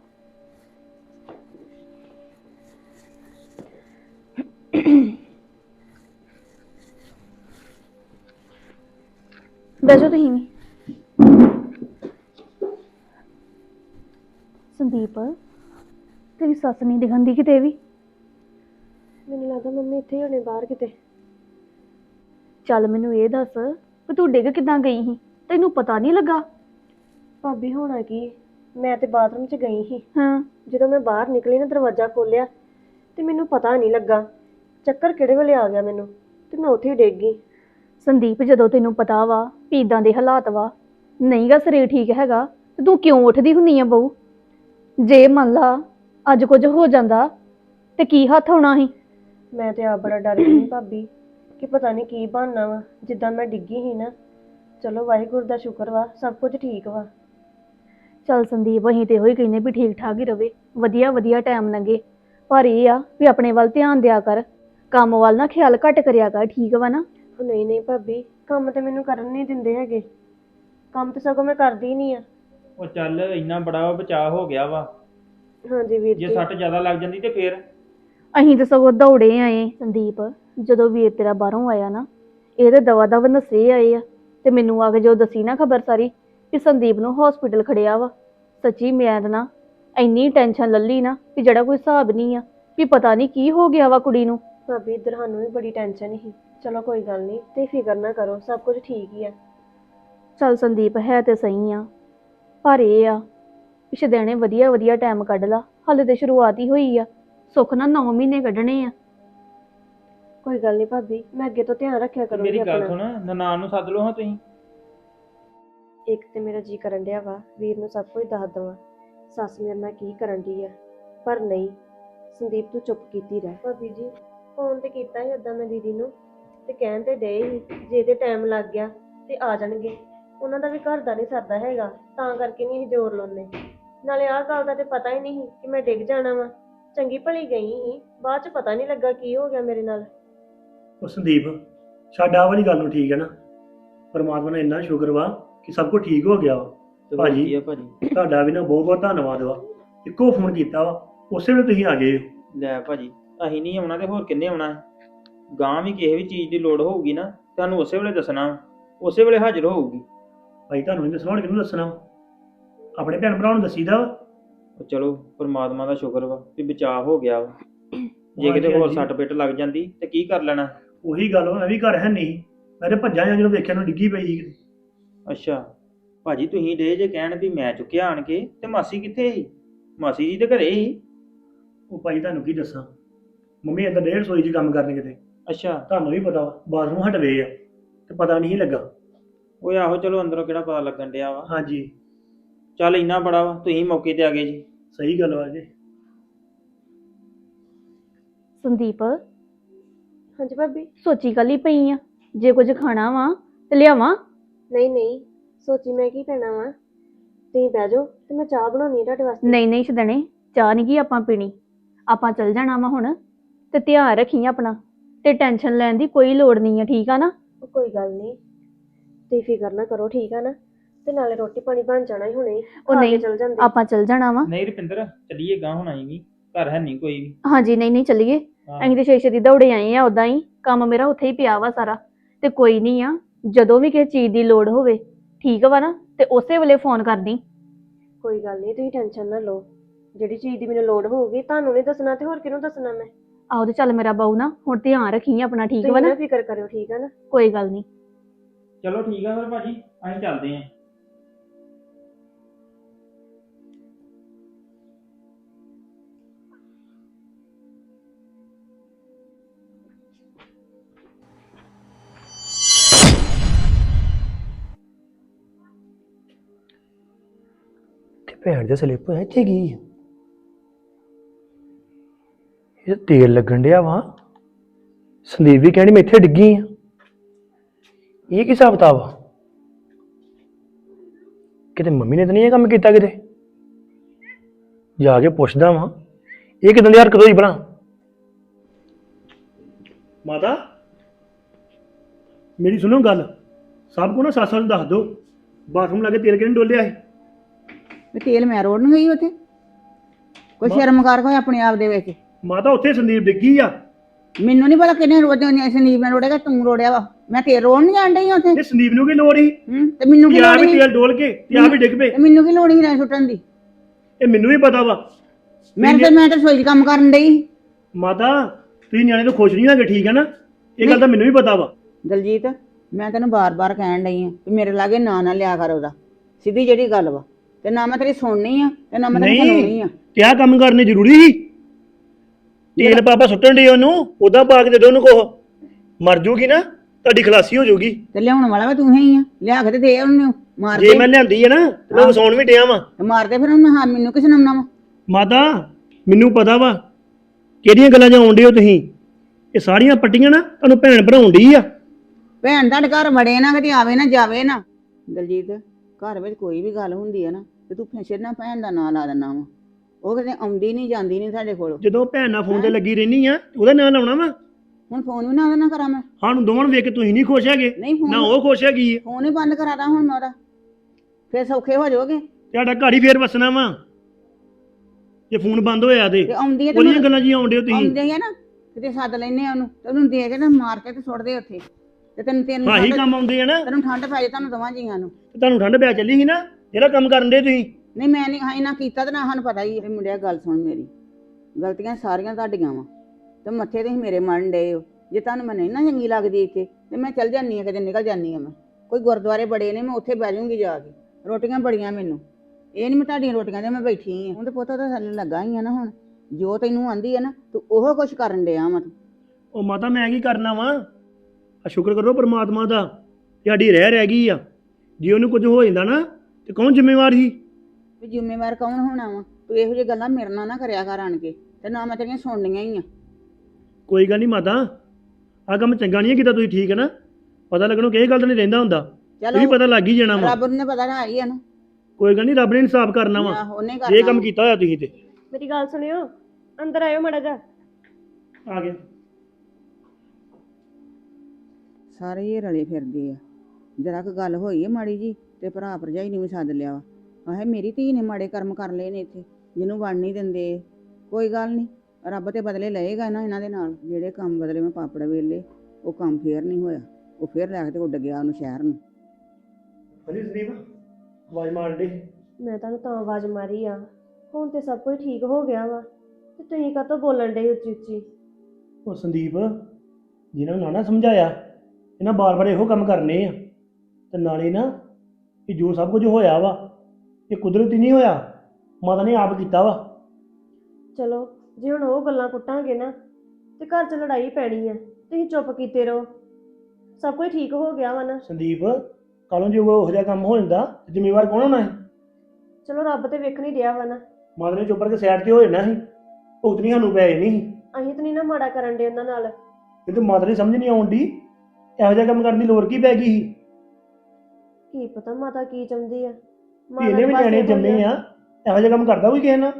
F: ਬੈਠੋ ਤੁਸੀਂ ਵੀ। ਸੰਦੀਪ ਤੇਰੀ ਸੱਸ ਨਹੀਂ ਦਿਖਾਂਦੀ ਕਿਤੇ ਵੀ।
A: ਮੈਨੂੰ ਲੱਗਦਾ ਮੰਮੀ ਇੱਥੇ ਹੀ ਹੋਣੇ ਬਾਹਰ ਕਿਤੇ।
F: ਚੱਲ ਮੈਨੂੰ ਇਹ ਦੱਸ ਕਿ ਤੂੰ ਡਿੱਗ ਕਿੱਦਾਂ ਗਈ ਸੀ? ਤੈਨੂੰ ਪਤਾ ਨਹੀਂ ਲੱਗਾ?
A: ਭਾਬੀ ਹੋਣਾ ਕੀ, ਮੈਂ ਤੇ ਬਾਥਰੂਮ 'ਚ ਗਈ ਸੀ।
F: ਹਾਂ।
A: ਜਦੋਂ ਮੈਂ ਬਾਹਰ ਨਿਕਲੀ ਨਾ, ਦਰਵਾਜ਼ਾ ਖੋਲਿਆ ਤੇ ਮੈਨੂੰ ਪਤਾ ਨਹੀਂ ਲੱਗਾ ਚੱਕਰ ਕਿਹੜੇ ਵੇਲੇ ਆ ਗਿਆ ਮੈਨੂੰ, ਤੇ ਮੈਂ ਉੱਥੇ ਹੀ ਡਿੱਗ ਗਈ।
F: ਸੰਦੀਪ, ਜਦੋਂ ਤੈਨੂੰ ਪਤਾ ਵਾ ਵੀ ਇਦਾਂ ਦੇ ਹਾਲਾਤ ਵਾ, ਨਹੀਂਗਾ ਸਰੀਰ ਠੀਕ ਹੈਗਾ, ਤੇ ਤੂੰ ਕਿਉਂ ਉੱਠਦੀ ਹੁੰਨੀ ਆ ਬਹੂ? ਜੇ ਮੰਨ ਲਾ ਅੱਜ ਕੁਝ ਹੋ ਜਾਂਦਾ ਤੇ ਕੀ ਹੱਥ ਆਉਣਾ ਸੀ?
A: ਮੈਂ ਤੇ ਆਪ ਬੜਾ ਡਰ ਗਈ ਭਾਬੀ ਕਿ ਪਤਾ ਨਹੀਂ ਕੀ ਬਣਨਾ ਵਾ। ਜਿੱਦਾਂ ਮੈਂ ਡਿੱਗੀ ਸੀ ਨਾ, ਚਲੋ ਵਾਹਿਗੁਰੂ ਦਾ ਸ਼ੁਕਰ ਵਾ, ਸਭ ਕੁਝ ਠੀਕ ਵਾ।
F: ਚੱਲ ਸੰਦੀਪ, ਅਸੀਂ ਤੇ ਇਹੋ ਹੀ ਕਹਿੰਦੇ ਵੀ ਠੀਕ ਠਾਕ ਹੀ ਰਵੇ, ਵਧੀਆ ਵਧੀਆ ਟਾਈਮ ਲੰਘੇ। ਪਰ ਇਹ ਆ ਵੀ ਆਪਣੇ ਵੱਲ ਧਿਆਨ ਦਿਆ ਕਰ, ਕੰਮ ਵੱਲ ਨਾ ਖਿਆਲ ਘੱਟ ਕਰਿਆ ਕਰ, ਠੀਕ ਵਾ ਨਾ?
A: ਉਹ ਨਹੀਂ ਨਹੀਂ ਭਾਬੀ, ਕੰਮ ਤੇ ਮੈਨੂੰ ਕਰਨ ਨਹੀਂ ਦਿੰਦੇ ਹੈਗੇ, ਕੰਮ ਤੇ ਸਗੋਂ ਮੈਂ ਕਰਦੀ ਹੀ ਨਹੀਂ ਆ।
E: ਉਹ ਚੱਲ ਇੰਨਾ ਬੜਾ ਬਚਾਅ ਹੋ ਗਿਆ ਵਾ।
A: ਹਾਂਜੀ ਵੀਰ
E: ਜੇ
A: ਜੀ।
E: ਸੱਟ ਜ਼ਿਆਦਾ ਲੱਗ ਜਾਂਦੀ ਤੇ ਫੇਰ?
F: ਅਸੀਂ ਤੇ ਸਗੋਂ ਦੌੜੇ ਆਏ ਸੰਦੀਪ, ਜਦੋਂ ਵੀਰ ਤੇਰਾ ਬਾਹਰੋਂ ਆਇਆ ਨਾ, ਇਹ ਤੇ ਦਵਾ ਦਵ ਨਸੇ ਆਏ ਆ, ਤੇ ਮੈਨੂੰ ਆ ਕੇ ਜੋ ਦੱਸੀ ਨਾ ਖਬਰ ਸਾਰੀ ਕਿ ਸੰਦੀਪ ਨੂੰ ਹਸਪੀਟਲ ਖੜਿਆ ਵਾ, ਸੱਚੀ ਮੈਂ ਤਾਂ ਨਾ ਇੰਨੀ ਟੈਨਸ਼ਨ ਲੱਲੀ ਨਾ ਕਿ ਜਿਹੜਾ ਕੋਈ ਹਿਸਾਬ ਨਹੀਂ ਆ, ਵੀ ਪਤਾ ਨਹੀਂ ਕੀ ਹੋ ਗਿਆ ਵਾ ਕੁੜੀ ਨੂੰ।
A: ਭਾਬੀ ਇੱਧਰ ਸਾਨੂੰ ਵੀ ਬੜੀ ਟੈਨਸ਼ਨ ਸੀ। ਚਲੋ ਕੋਈ ਗੱਲ ਨਹੀਂ, ਤੇ ਫਿਕਰ ਨਾ ਕਰੋ, ਸਭ ਕੁਝ ਠੀਕ ਹੀ ਆ।
F: ਚੱਲ ਸੰਦੀਪ, ਹੈ ਤੇ ਸਹੀ ਆ, ਪਰ ਇਹ ਆ ਪਿਛੇ ਦੇਣੇ ਵਧੀਆ ਵਧੀਆ ਟਾਈਮ ਕੱਢ ਲਾ, ਹਾਲੇ ਤੇ ਸ਼ੁਰੂਆਤ ਹੀ ਹੋਈ ਆ, ਸੁੱਖ ਨਾਲ ਨੌ ਮਹੀਨੇ ਕੱਢਣੇ ਆ।
A: ਕੋਈ ਗੱਲ ਨਹੀਂ ਭਾਬੀ, ਮੈਂ ਅੱਗੇ ਤੋਂ ਧਿਆਨ ਰੱਖਿਆ ਕਰੂੰਗੀ
E: ਮੇਰੀ ਗੱਲ
A: ਆਪਣਾ।
E: ਸੁਣ, ਨਨਾਣ ਨੂੰ ਸੱਦ ਲਓ ਹਾਂ ਤੁਸੀਂ।
A: ਇੱਕ ਤੇ ਮੇਰਾ ਜੀ ਕਰਨ ਡਿਆ ਵਾ ਵੀਰ ਨੂੰ ਸਭ ਕੁਝ ਦੱਸ ਦਵਾਂ, ਸੱਸ ਮੇਰੇ ਨਾਲ ਕੀ ਕਰਨ ਡਈ ਆ, ਪਰ ਨਹੀਂ ਸੰਦੀਪ ਤੂੰ ਚੁੱਪ ਕੀਤੀ ਰਹਿ। ਭਾਬੀ ਜੀ ਫੋਨ ਤੇ ਕੀਤਾ ਸੀ ਉਦਾਂ ਮੈਂ ਦੀਦੀ ਨੂੰ, ਤੇ ਕਹਿਣ ਤੇ ਡਏ ਸੀ ਜੇ ਇਹਦੇ ਟਾਈਮ ਲੱਗ ਗਿਆ ਤੇ ਆ ਜਾਣਗੇ। ਉਹਨਾਂ ਦਾ ਵੀ ਘਰ ਦਾ ਨਹੀਂ ਸਰਦਾ ਹੈਗਾ, ਤਾਂ ਕਰਕੇ ਨਹੀਂ ਅਸੀਂ ਜ਼ੋਰ ਲਾਉਂਦੇ। ਨਾਲੇ ਆਹ ਗੱਲ ਦਾ ਤੇ ਪਤਾ ਹੀ ਨਹੀਂ ਕਿ ਮੈਂ ਡਿੱਗ ਜਾਣਾ ਵਾ, ਚੰਗੀ ਭਲੀ ਗਈ ਸੀ, ਬਾਅਦ ਚ ਪਤਾ ਨਹੀਂ ਲੱਗਾ ਕੀ ਹੋ ਗਿਆ ਮੇਰੇ ਨਾਲ।
B: ਉਹ ਸੰਦੀਪ ਛੱਡ ਆਹ ਵਾਲੀ ਗੱਲ ਨੂੰ, ਠੀਕ ਹੈ ਨਾ? ਪਰਮਾਤਮਾ ਨੇ ਇੰਨਾ ਸ਼ੁਕਰ ਵਾ ਕਿ ਸਭ ਕੁਝ ਠੀਕ ਹੋ ਗਿਆ ਵਾ। ਭਾਜੀ
E: ਕੀ ਆ ਭਾਜੀ?
B: ਤੁਹਾਡਾ ਵੀ ਨਾ ਬਹੁਤ ਬਹੁਤ ਧੰਨਵਾਦ ਵਾ, ਇੱਕੋ ਫੋਨ ਕੀਤਾ ਵਾ, ਉਸੇ ਵੇਲੇ ਤੁਸੀਂ ਆ ਗਏ ਹੋ।
E: ਲੈ ਭਾਜੀ, ਅਸੀਂ ਨਹੀਂ ਆਉਣਾ ਤੇ ਹੋਰ ਕਿੰਨੇ ਆਉਣਾ ਹੈ? ਗਾਂ ਵੀ ਕਿਸੇ ਵੀ ਚੀਜ਼ ਦੀ ਲੋੜ ਹੋਊਗੀ ਨਾ, ਤੁਹਾਨੂੰ ਉਸੇ ਵੇਲੇ ਦੱਸਣਾ, ਉਸੇ ਵੇਲੇ ਹਾਜ਼ਰ ਹੋਊਗੀ।
B: ਭਾਈ ਤੁਹਾਨੂੰ ਨਹੀਂ ਦੱਸਣਾ, ਹੁਣ ਕਿਹਨੂੰ ਦੱਸਣਾ? ਆਪਣੇ ਭੈਣ ਭਰਾ ਨੂੰ ਦੱਸੀਦਾ ਵਾ।
E: ਉਹ ਚਲੋ ਪਰਮਾਤਮਾ ਦਾ ਸ਼ੁਕਰ ਵਾ ਵੀ ਬਚਾਅ ਹੋ ਗਿਆ ਵਾ। ਜੇ ਕਿਤੇ ਹੋਰ
B: ਹਾਂਜੀ।
E: ਸੱਟ ਪਿੱਟ ਲੱਗ ਜਾਂਦੀ ਤੇ ਕੀ ਕਰ ਲੈਣਾ?
B: ਉਹੀ ਗੱਲ ਵਾ, ਮੈਂ ਵੀ ਘਰ ਹੈ ਨਹੀਂ, ਮੈਂ ਤੇ ਭੱਜਾਂ ਜਾਂ ਜਦੋਂ ਵੇਖਿਆ ਨੂੰ ਡਿੱਗੀ ਪਈ ਸੀ।
E: ਅੱਛਾ ਭਾਜੀ, ਤੁਸੀਂ ਡੇ ਜੇ ਕਹਿਣ ਵੀ ਮੈਂ ਚੁੱਕਿਆ ਆਣ ਕੇ, ਤੇ ਮਾਸੀ ਕਿੱਥੇ ਸੀ? ਮਾਸੀ ਜੀ ਤੇ ਘਰੇ ਸੀ।
B: ਉਹ ਭਾਈ ਤੁਹਾਨੂੰ ਕੀ ਦੱਸਾਂ, ਮੰਮੀ ਅੰਦਰ ਡੇਢ ਰਸੋਈ 'ਚ ਕੰਮ ਕਰਨ ਕਿਤੇ,
E: ਅੱਛਾ।
B: ਤੁਹਾਨੂੰ ਵੀ ਪਤਾ ਵਾ ਬਾਥਰੂਮ ਹਟਵੇ ਆ, ਤੇ ਪਤਾ ਨਹੀਂ ਲੱਗਾ।
E: ਉਹ ਆਹੋ, ਚਲੋ ਅੰਦਰੋਂ ਕਿਹੜਾ ਪਤਾ ਲੱਗਣ ਡਿਆ ਵਾ।
B: ਹਾਂਜੀ
E: ਚੱਲ ਇੰਨਾ ਬੜਾ ਵਾ, ਤੁਸੀਂ ਮੌਕੇ ਤੇ ਆ ਗਏ ਜੀ।
B: ਸਹੀ ਗੱਲ ਵਾ ਜੀ।
F: ਸੰਦੀਪ,
A: ਹਾਂਜੀ ਭਾਬੀ।
F: ਸੋਚੀ ਗੱਲ ਹੀ ਪਈ ਆ, ਜੇ ਕੁਝ ਖਾਣਾ ਵਾ ਤੇ ਲਿਆਵਾਂ?
A: ਨਹੀਂ ਨਹੀਂ, ਸੋਚੀ ਮੈਂ ਕੀ ਪੈਣਾ ਵਾ, ਤੁਸੀਂ ਬਹਿ ਜਾਓ ਤੇ ਮੈਂ ਚਾਹ ਬਣਾਉਣੀ ਆ ਤੁਹਾਡੇ ਵਾਸਤੇ।
F: ਨਹੀਂ ਨਹੀਂ ਛਦਣੇ, ਚਾਹ ਨਹੀਂ ਕੀ ਆਪਾਂ ਪੀਣੀ, ਆਪਾਂ ਚੱਲ ਜਾਣਾ ਵਾ ਹੁਣ, ਤੇ ਧਿਆਨ ਰੱਖੀ ਆਪਣਾ, ਤੇ ਟੈਨਸ਼ਨ ਲੈਣ ਦੀ ਕੋਈ ਲੋੜ ਨਹੀਂ ਆ, ਠੀਕ ਆ ਨਾ?
A: ਉਹ ਕੋਈ ਗੱਲ ਨਹੀਂ, ਤੁਸੀਂ ਫਿਕਰ ਨਾ ਕਰੋ, ਠੀਕ ਆ ਨਾ? ਤੇ ਨਾਲੇ ਰੋਟੀ ਪਾਣੀ ਬਣ ਜਾਣਾ ਹੀ ਹੁਣੇ,
F: ਉਹ ਨਹੀਂ,
A: ਚੱਲ ਜਾਂਦੇ।
F: ਆਪਾਂ ਚੱਲ ਜਾਣਾ ਵਾ।
E: ਨਹੀਂ ਰੁਪਿੰਦਰ, ਚੱਲੀਏ ਗਾਂ, ਹੁਣ ਆਈ ਵੀ ਘਰ ਹੈ ਨਹੀਂ ਕੋਈ ਵੀ।
F: ਹਾਂਜੀ ਨਹੀਂ ਨਹੀਂ ਚੱਲੀਏ, ਅਸੀਂ ਤੇ ਛੇ ਦੀ ਦੌੜੇ ਆਏ ਆ, ਉਦਾਂ ਹੀ ਕੰਮ ਮੇਰਾ ਉੱਥੇ ਹੀ ਪਿਆ ਵਾ ਸਾਰਾ, ਤੇ ਕੋਈ ਨਹੀਂ ਆ, ਜਦੋਂ ਵੀ ਕਿਸੇ ਚੀਜ਼ ਦੀ ਲੋੜ ਹੋਵੇ, ਠੀਕ ਵਾ ਨਾ, ਤੇ ਉਸੇ ਵੇਲੇ ਫੋਨ ਕਰਦੀ।
A: ਕੋਈ ਗੱਲ ਨਹੀਂ, ਤੁਸੀਂ ਟੈਨਸ਼ਨ ਨਾ ਲਓ, ਜਿਹੜੀ ਚੀਜ਼ ਦੀ ਮੈਨੂੰ ਲੋੜ ਹੋਊਗੀ ਤੁਹਾਨੂੰ ਨਹੀਂ ਦੱਸਣਾ, ਤੇ ਹੋਰ ਕਿਹਨੂੰ ਦੱਸਣਾ ਮੈਂ?
F: ਆਹੋ ਤੇ ਚੱਲ ਮੇਰਾ ਬਾਊ ਨਾ, ਹੁਣ ਧਿਆਨ ਰੱਖੀ ਆਪਣਾ, ਠੀਕ ਵਾ
A: ਤੁਸੀਂ
F: ਨਾ?
A: ਨਾ ਫਿਕਰ ਕਰਿਓ, ਠੀਕ ਆ ਨਾ?
F: ਕੋਈ ਗੱਲ ਨਹੀਂ।
E: ਚਲੋ ਠੀਕ ਆ ਫਿਰ ਭਾਜੀ, ਅਸੀਂ ਚੱਲਦੇ ਆਂ।
B: ਤੇ ਭੈਣ ਦੇ ਸਲਿੱਪ ਹੋਇਆ ਇੱਥੇ ਕੀ ਆ? ਇਹ ਤੇਲ ਲੱਗਣ ਡਿਆ ਵਾ। ਸੰਦੀਪ ਵੀ ਕਹਿੰਦੀ ਮੈਂ ਇੱਥੇ ਡਿੱਗੀ ਆ, ਇਹ ਕੀ ਹਿਸਾਬ ਕਿਤਾਬ ਆ? ਕਿਤੇ ਮੰਮੀ ਨੇ ਤਾਂ ਨਹੀਂ ਇਹ ਕੰਮ ਕੀਤਾ? ਕਿਤੇ ਜਾ ਕੇ ਪੁੱਛਦਾ ਵਾਂ, ਇਹ ਕਿਦਾਂ ਦੀ ਹਰਕਤ ਹੋਈ ਭਲਾ? ਮਾਤਾ ਮੇਰੀ ਸੁਣੋ ਗੱਲ, ਸਭ ਕੋ ਨਾ ਸੱਸ ਨੂੰ ਦੱਸ ਦਿਓ, ਬਾਥਰੂਮ ਲਾ ਕੇ ਤੇਲ ਕਿਹਨੇ ਡੋਲਿਆ ਸੀ?
C: ਵੀ ਤੇਲ ਮੈਂ ਰੋੜਨ ਗਈ ਉੱਥੇ? ਕੋਈ ਸ਼ਰਮ ਕਰ ਕੋਈ ਆਪਣੇ ਆਪ ਦੇ ਵਿੱਚ।
B: ਮਾਤਾ ਉੱਥੇ ਸੰਦੀਪ ਡਿੱਗੀ ਆ।
C: ਮੈਨੂੰ ਨਹੀਂ ਪਤਾ ਕਿੰਨੇ ਰੋੜਿਆ ਨੇ, ਸੰਦੀਪ ਨੇ ਰੋੜਿਆ, ਤੂੰ ਰੋੜਿਆ ਵਾ, ਮੈਂ ਤੇਲ ਰੋਣ ਨਹੀਂ ਜਾਣ ਡਈ ਉੱਥੇ।
B: ਇਹ ਸੰਦੀਪ ਨੂੰ ਕੀ ਲੋੜ ਸੀ?
C: ਹੂੰ, ਤੇ ਮੈਨੂੰ ਕੀ
B: ਕਿ ਆ
C: ਲੋੜ
B: ਵੀ
C: ਸੀ?
B: ਤੇਲ ਡੋਲ ਕੇ ਤੇ ਆ ਵੀ ਡਿੱਗ ਪਏ?
C: ਤੇ ਮੈਨੂੰ ਕੀ ਲੋੜ ਸੀ ਨਾ ਸੁੱਟਣ ਦੀ?
B: ਇਹ ਮੈਨੂੰ ਵੀ ਪਤਾ ਵਾ।
C: ਮੈਂ ਤਾਂ ਮੈਂ ਤਾਂ ਰਸੋਈ 'ਚ ਕੰਮ ਕਰਨ ਡਈ।
B: ਮਾਤਾ ਤੁਸੀਂ ਨਿਆਣੇ ਤੋਂ ਖੁਸ਼ ਨਹੀਂ ਹੈਗੇ, ਠੀਕ ਹੈ ਨਾ? ਇਹ ਗੱਲ ਤਾਂ ਮੈਨੂੰ ਵੀ ਪਤਾ ਵਾ।
C: ਦਲਜੀਤ ਮੈਂ ਤੈਨੂੰ ਬਾਰ-ਬਾਰ ਕਹਿਣ ਡਈ ਆ ਕਿ ਮੇਰੇ ਲਾਗੇ ਨਾਂ ਨਾ ਲਿਆ ਕਰ ਉਹਦਾ, ਸਿੱਧੀ ਜਿਹੜੀ ਗੱਲ ਵਾ। ਤੇ ਨਾ ਮੈਂ ਤੇਰੀ ਸੁਣਨੀ ਆ ਤੇ ਨਾ ਮੈਂ ਤੈਨੂੰ ਸੁਣਾਉਣੀ
B: ਨਹੀਂ
C: ਆ।
B: ਕਿਆ ਕੰਮ ਕਰਨੇ ਜ਼ਰੂਰੀ ਸੀ? ਤੇਲ ਪਾਪਾ ਸੁੱਟਣ ਦੀ ਉਹਨੂੰ ਉਹਦਾ ਪਾ ਕੇ ਦੇ ਦੋ ਉਹਨੂੰ ਕੋਹ, ਮਰ ਜੂਗੀ ਨਾ ਤੁਹਾਡੀ ਖਲਾਸੀ ਹੋ ਜਾਊਗੀ।
C: ਤੇ ਲਿਆਉਣ ਵਾਲਾ ਵਾ ਤੂੰ ਹੀ ਆ, ਲਿਆ ਕੇ ਤੇ ਦੇ ਉਹਨੂੰ, ਮਾਰ
B: ਜੇ
C: ਦੇ
B: ਮੈਂ ਲਿਆਂਦੀ ਹੈ ਨਾ ਤੇ ਮੈਂ ਵਸਾਉਣ ਵੀ ਡਿਆ ਵਾਂ।
C: ਤੇ ਮਾਰ ਦੇ ਫਿਰ ਉਹਨੂੰ। ਹਾਂ ਮੈਨੂੰ ਕਿਸ ਨਾਮ ਨਾ ਵਾ।
B: ਮਾਤਾ ਮੈਨੂੰ ਪਤਾ ਵਾ ਕਿਹੜੀਆਂ ਗੱਲਾਂ 'ਚ ਆਉਣ ਡਏ ਹੋ ਤੁਸੀਂ। ਇਹ ਸਾਰੀਆਂ ਪੱਟੀਆਂ ਨਾ ਤੁਹਾਨੂੰ ਭੈਣ ਭਰਾਉਣ ਡਈ ਆ।
C: ਭੈਣ ਤੁਹਾਡੇ ਘਰ ਵੜੇ ਨਾ, ਕਦੀ ਆਵੇ ਨਾ ਜਾਵੇ ਨਾ। ਦਲਜੀਤ ਘਰ ਵਿੱਚ ਕੋਈ ਵੀ ਗੱਲ ਹੁੰਦੀ ਹੈ ਨਾ ਤੇ ਤੂੰ ਫਿਰ ਨਾ ਭੈਣ ਦਾ ਨਾਂ ਲਾ ਦਿੰਦਾ ਵਾ। ਉਹ ਕਿਤੇ ਆਉਂਦੀ ਨਹੀਂ ਜਾਂਦੀ ਨਹੀਂ ਸਾਡੇ ਕੋਲ।
B: ਜਦੋਂ ਭੈਣ ਨਾਲ ਫੋਨ ਤੇ ਲੱਗੀ ਰਹਿਣੀ ਆ ਉਹਦਾ ਨਾਂ ਲਾਉਣਾ ਵਾ।
C: ਹੁਣ ਫੋਨ ਵੀ ਨਾ ਉਹਦੇ ਨਾਲ ਕਰਾਂ ਮੈਂ?
B: ਸਾਨੂੰ ਦੋਵਾਂ ਨੂੰ ਵੇਖ ਕੇ ਤੁਸੀਂ ਨਹੀਂ ਖੁਸ਼ ਹੈਗੇ
C: ਨਹੀਂ
B: ਨਾ
C: ਫੋਨ
B: ਉਹ ਖੁਸ਼ ਹੈਗੀ ਹੈ।
C: ਫੋਨ ਹੀ ਬੰਦ ਕਰਾਦਾ ਹੁਣ ਮੈਂ ਉਹਦਾ, ਫਿਰ ਸੌਖੇ ਹੋ ਜਾਓਗੇ।
B: ਤੁਹਾਡਾ ਘਰ ਹੀ ਫੇਰ ਵਸਣਾ ਵਾ ਜੇ ਫੋਨ ਬੰਦ ਹੋਇਆ ਤੇ।
C: ਤੇ ਆਉਂਦੀ ਹੈ ਤੇ
B: ਉਹਦੀਆਂ
C: ਮੈਂ-
B: ਗੱਲਾਂ 'ਚ ਹੀ ਆਉਣ ਡਏ ਹੋ ਤੁਸੀਂ।
C: ਆਉਂਦੇ ਆ ਨਾ ਕਿਤੇ ਸੱਦ ਲੈਨੇ ਆ ਉਹਨੂੰ ਤੇ ਉਹਨੂੰ ਦੇ ਕੇ ਨਾ ਮਾਰ ਕੇ ਤੇ ਸੁੱਟ ਦੇ ਉੱਥੇ। ਤੇ ਤੈਨੂੰ ਤੈਨੂੰ
B: ਆਹੀ
C: ਠੰਡ-
B: ਕੰਮ ਆਉਂਦੇ ਆ ਨਾ।
C: ਤੈਨੂੰ ਠੰਡ ਪੈ ਜਾਏ ਤੁਹਾਨੂੰ ਦੋਵਾਂ ਜੀਆਂ ਨੂੰ।
B: ਤੇ ਤੁਹਾਨੂੰ ਠੰਡ ਪੈ ਚੱਲੀ ਸੀ ਨਾ ਜਿਹੜਾ ਕੰਮ ਕਰਨ ਦੇ ਤੁਸੀਂ।
C: ਨਹੀਂ ਮੈਂ ਨਹੀਂ ਹਾਂ ਨਾ ਕੀਤਾ ਤੇ ਨਾ ਸਾਨੂੰ ਪਤਾ ਹੀ ਹੈ। ਮੁੰਡਿਆ ਗੱਲ ਸੁਣ ਮੇਰੀ, ਗਲਤੀਆਂ ਸਾਰੀਆਂ ਤੁਹਾਡੀਆਂ ਵਾ ਤੇ ਮੱਥੇ ਤੇ ਹੀ ਮੇਰੇ ਮਰਨ ਡਏ ਹੋ। ਜੇ ਤੁਹਾਨੂੰ ਮੈਂ ਨਹੀਂ ਨਾ ਚੰਗੀ ਲੱਗਦੀ ਇੱਥੇ ਤੇ ਮੈਂ ਚੱਲ ਜਾਂਦੀ ਆ, ਕਿਤੇ ਨਿਕਲ ਜਾਂਦੀ ਆ। ਮੈਂ ਕੋਈ ਗੁਰਦੁਆਰੇ ਬੜੇ ਨੇ, ਮੈਂ ਉੱਥੇ ਬਹਿ ਜਾਊਂਗੀ ਜਾ ਕੇ। ਰੋਟੀਆਂ ਬੜੀਆਂ ਮੈਨੂੰ, ਇਹ ਨਹੀਂ ਮੈਂ ਤੁਹਾਡੀਆਂ ਰੋਟੀਆਂ ਤੇ ਮੈਂ ਬੈਠੀ ਆ। ਹੁਣ ਤੇ ਪੁੱਤ ਉਹਦਾ ਥੱਲੇ ਲੱਗਾ ਹੀ ਆ ਨਾ। ਹੁਣ ਜੋ ਤੈਨੂੰ ਆਂਦੀ ਆ ਨਾ ਤੂੰ ਉਹ ਕੁਛ ਕਰਨ ਡਿਆ ਵਾ ਤੂੰ।
B: ਉਹ ਮਾਤਾ ਮੈਂ ਕੀ ਕਰਨਾ ਵਾ, ਆ ਸ਼ੁਕਰ ਕਰੋ ਪ੍ਰਮਾਤਮਾ ਦਾ ਤੁਹਾਡੀ ਰਹਿ ਰਹਿ ਗਈ ਆ। ਜੇ ਉਹਨੂੰ ਕੁਝ ਹੋ ਜਾਂਦਾ ਨਾ ਤੇ ਕੌਣ ਜ਼ਿੰਮੇਵਾਰ ਸੀ?
C: ਵੀ ਜ਼ਿੰਮੇਵਾਰ ਕੌਣ ਹੋਣਾ ਵਾ? ਤੂੰ ਇਹੋ ਜਿਹੀ ਗੱਲਾਂ ਮੇਰੇ ਨਾਲ ਨਾ ਕਰਿਆ ਕਰ ਆਣ ਕੇ, ਤੇ ਨਾ ਮੈਂ ਤੇਰੀਆਂ ਸੁਣਨੀਆਂ ਹੀ ਆ।
B: ਕੋਈ ਗੱਲ ਨਹੀਂ ਮਾਤਾ, ਆ ਕੰਮ ਚੰਗਾ ਨਹੀਂ ਕੀਤਾ ਤੁਸੀਂ, ਠੀਕ ਹੈ ਨਾ? ਪਤਾ ਲੱਗਣੋਂ ਕਿਸੇ ਗੱਲ ਤਾਂ ਨਹੀਂ ਰਹਿੰਦਾ ਹੁੰਦਾ,
C: ਚਲੋ
B: ਵੀ ਪਤਾ ਲੱਗ ਹੀ ਜਾਣਾ ਵਾ।
C: ਰੱਬ ਨੂੰ ਤਾਂ ਪਤਾ ਹੈ ਹੀ ਆ ਨਾ।
B: ਕੋਈ ਗੱਲ ਨਹੀਂ, ਰੱਬ ਨੇ ਇਨਸਾਫ ਕਰਨਾ ਵਾ।
C: ਆਹੋ, ਉਹਨੇ
B: ਇਹ
C: ਕਰਨਾ
B: ਕੰਮ
C: ਵਾ।
B: ਕੀਤਾ ਹੋਇਆ ਤੁਸੀਂ ਤੇ।
A: ਮੇਰੀ ਗੱਲ ਸੁਣਿਓ, ਅੰਦਰ ਆਇਓ ਮਾੜਾ ਜਿਹਾ।
B: ਆ ਗਿਆ
C: ਸਾਰੇ ਹੀ ਰਲੇ ਫਿਰਦੇ ਆ। ਜਰਾ ਕੁ ਗੱਲ ਹੋਈ ਹੈ ਮਾੜੀ ਜੀ ਤੇ ਭਰਾ ਭਰਜਾਈ ਨੂੰ ਵੀ ਸੱਦ ਲਿਆ ਵਾ। ਆਹੇ ਮੇਰੀ ਧੀ ਨੇ ਮਾੜੇ ਕਰਮ ਕਰ ਲਏ ਨੇ ਇੱਥੇ, ਜਿਹਨੂੰ ਵੜ ਨਹੀਂ ਦਿੰਦੇ। ਕੋਈ ਗੱਲ ਨਹੀਂ, ਰੱਬ ਤੇ ਬਦਲੇ ਲਏਗਾ ਨਾ ਇਹਨਾਂ ਦੇ ਨਾਲ। ਜਿਹੜੇ ਕੰਮ ਬਦਲੇ ਮੈਂ ਪਾਪੜ ਵੇਲੇ, ਉਹ ਕੰਮ ਫੇਰ ਨਹੀਂ ਹੋਇਆ। ਉਹ ਫੇਰ ਲੈ ਕੇ ਤੇ ਉੱਡ ਗਿਆ ਉਹਨੂੰ ਸ਼ਹਿਰ ਨੂੰ।
B: ਹਾਂਜੀ ਸੰਦੀਪ, ਆਵਾਜ਼ ਮਾਰਨ ਦੇ।
A: ਮੈਂ ਤੁਹਾਨੂੰ ਤਾਂ ਆਵਾਜ਼ ਮਾਰੀ ਆ, ਹੁਣ ਤੇ ਸਭ ਕੁਝ ਠੀਕ ਹੋ ਗਿਆ ਵਾ ਤੇ ਤੁਸੀਂ ਕਾਹਤੋਂ ਬੋਲਣ ਡੇ ਉੱਚੀ ਉੱਚੀ?
B: ਉਹ ਸੰਦੀਪ, ਜਿਹਨਾਂ ਨੂੰ ਨਾ ਨਾ ਸਮਝਾਇਆ, ਇਹਨਾਂ ਬਾਰ-ਬਾਰ ਇਹੋ ਕੰਮ ਕਰਨੇ ਆ। ਤੇ ਨਾਲੇ ਨਾ ਇਹ ਜੋ ਸਭ ਕੁਝ ਹੋਇਆ ਵਾ ਇਹ ਕੁਦਰਤੀ ਨਹੀਂ ਹੋਇਆ, ਮਾਤਾ ਨੇ ਆਪ ਕੀਤਾ ਵਾ।
A: ਚਲੋ ਜੇ ਹੁਣ ਉਹ ਗੱਲਾਂ ਕੁੱਟਾਂਗੇ ਨਾ ਤੇ ਘਰ 'ਚ ਲੜਾਈ ਪੈਣੀ ਆ। ਤੁਸੀਂ ਚੁੱਪ ਕੀਤੇ ਰਹੋ, ਸਭ ਕੁਝ ਠੀਕ ਹੋ ਗਿਆ ਵਾ ਨਾ।
B: ਸੰਦੀਪ, ਕੱਲੋਂ ਜੇ ਉਹ ਇਹੋ ਜਿਹਾ ਕੰਮ ਹੋ ਜਾਂਦਾ ਤੇ ਜ਼ਿੰਮੇਵਾਰ ਕੌਣ ਹੋਣਾ ਹੈ?
A: ਚਲੋ ਰੱਬ ਤੇ ਵੇਖ ਨਹੀਂ ਰਿਹਾ ਵਾ ਨਾ।
B: ਮਾਤਾ ਨੇ ਚੁੱਪ ਕਰਕੇ ਸਾਈਡ ਤੇ ਹੋ ਜਾਣਾ ਸੀ, ਭੁਗਤਣੀ ਸਾਨੂੰ ਪੈ ਜਾਣੀ ਸੀ।
A: ਅਸੀਂ ਤਾਂ ਨਹੀਂ ਨਾ ਮਾੜਾ ਕਰਨ ਡੇ ਉਹਨਾਂ ਨਾਲ।
B: ਇਹ ਤਾਂ ਮਾਤਾ ਦੀ ਸਮਝ ਨਹੀਂ ਆਉਣ ਦੀ, ਇਹੋ ਜਿਹਾ ਕੰਮ ਕਰਨ ਦੀ ਲੋੜ ਕੀ ਪੈ ਗਈ ਸੀ?
A: ਕੀ ਪਤਾ ਮਾਤਾ ਕੀ ਚਾਹੁੰਦੀ ਆ।
B: ਵੀ ਇਹਨੇ ਵੀ ਨਿਆਣੇ ਜੰਮੇ ਆ, ਇਹੋ ਜਿਹਾ ਕੰਮ ਕਰਦਾ ਕੋਈ ਕਿਸੇ ਨਾਲ?